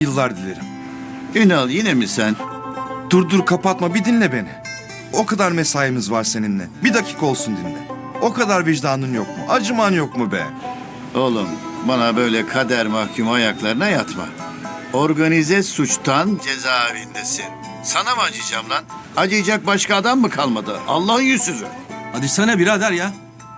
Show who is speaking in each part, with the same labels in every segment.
Speaker 1: yıllar dilerim.
Speaker 2: Ünal yine mi sen?
Speaker 1: Dur kapatma, bir dinle beni. O kadar mesaimiz var seninle. Bir dakika olsun dinle. O kadar vicdanın yok mu? Acıman yok mu be?
Speaker 2: Oğlum bana böyle kader mahkumu ayaklarına yatma. Organize suçtan cezaevindesin. Sana mı acıyacağım lan? Acıyacak başka adam mı kalmadı? Allah'ın yüzsüzü.
Speaker 3: Hadi sana birader ya.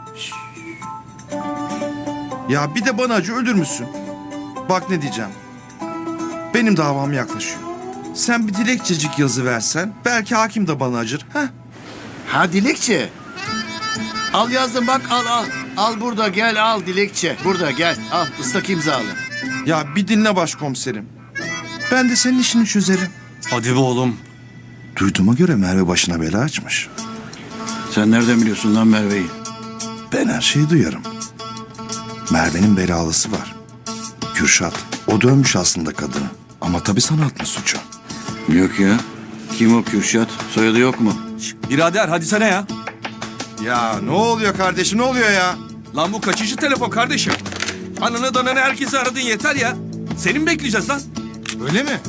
Speaker 1: Ya bir de bana acı, ölür müsün? Bak ne diyeceğim. Benim davam yaklaşıyor. Sen bir dilekçecik yazı versen belki hakim de bana acır. Heh.
Speaker 2: Ha dilekçe. Al yazdım bak al. Al burada gel al dilekçe. Burada gel al ıslak imzalı.
Speaker 1: Ya bir dinle başkomiserim. Ben de senin işini çözerim.
Speaker 3: Hadi be oğlum.
Speaker 1: Duyduğuma göre Merve başına bela açmış.
Speaker 2: Sen nereden biliyorsun lan Merve'yi?
Speaker 1: Ben her şeyi duyarım. Merve'nin belalısı var. Kürşat. O dövmüş aslında kadını. Ama tabii sana atma suçu.
Speaker 2: Yok ya. Kim o Kürşat? Soyadı yok mu?
Speaker 3: Birader hadi sana ya.
Speaker 1: Ya ne oluyor kardeşim, ne oluyor ya?
Speaker 3: Lan bu kaçıncı telefon kardeşim? Ananı dananı herkesi aradın yeter ya. Seni mi bekleyeceğiz lan?
Speaker 1: Öyle mi?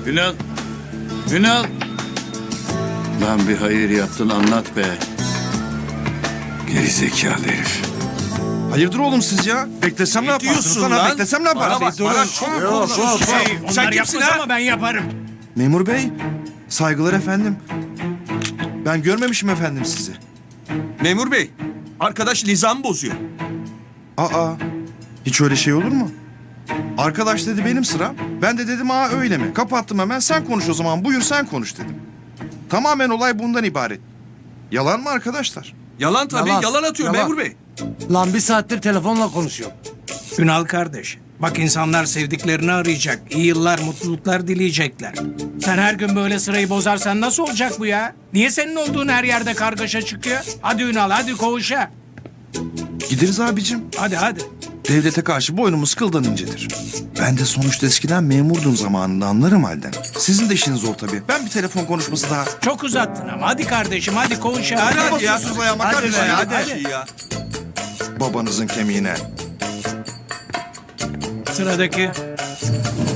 Speaker 2: Ünal. Lan bir hayır yaptın anlat be. Gerizekalı herif.
Speaker 1: Hayırdır oğlum siz ya? Beklesem ne yaparsınız
Speaker 3: diyorsun
Speaker 1: lan?
Speaker 3: lan?
Speaker 1: Beklesem ne yaparsınız?
Speaker 3: Bana çok konuşuyorsun. Sen kimsin ha?
Speaker 4: Ama ben yaparım.
Speaker 1: Memur bey, saygılar efendim. Ben görmemişim efendim sizi.
Speaker 3: Memur bey, arkadaş nizam bozuyor.
Speaker 1: Aa, hiç öyle şey olur mu? Arkadaş dedi benim sıram. Ben de dedim öyle mi? Kapattım hemen, sen konuş o zaman, buyur sen konuş dedim. Tamamen olay bundan ibaret. Yalan mı arkadaşlar?
Speaker 3: Yalan tabii, yalan atıyor
Speaker 4: Yalan.
Speaker 3: memur bey.
Speaker 4: Lan bir saattir telefonla konuşuyor.
Speaker 5: Ünal kardeş, bak insanlar sevdiklerini arayacak, iyi yıllar, mutluluklar dileyecekler. Sen her gün böyle sırayı bozarsan nasıl olacak bu ya? Niye senin olduğun her yerde kargaşa çıkıyor? Hadi Ünal, hadi koğuşa.
Speaker 1: Gideriz abicim.
Speaker 5: Hadi.
Speaker 1: Devlete karşı boynumuz kıldan incedir. Ben de sonuçta eskiden memurdum zamanında, anlarım halden. Sizin de işiniz zor tabii. Ben bir telefon konuşması daha.
Speaker 5: Çok uzattın ama. Hadi kardeşim, hadi koğuşa.
Speaker 3: Hadi
Speaker 5: Hadi.
Speaker 3: hadi ya.
Speaker 1: basıyorsunuz ayağıma
Speaker 3: Hadi
Speaker 1: kardeşim
Speaker 3: be,
Speaker 1: ya,
Speaker 3: hadi.
Speaker 1: hadi.
Speaker 3: Ya.
Speaker 1: Babanızın kemiğine.
Speaker 5: Sıradaki.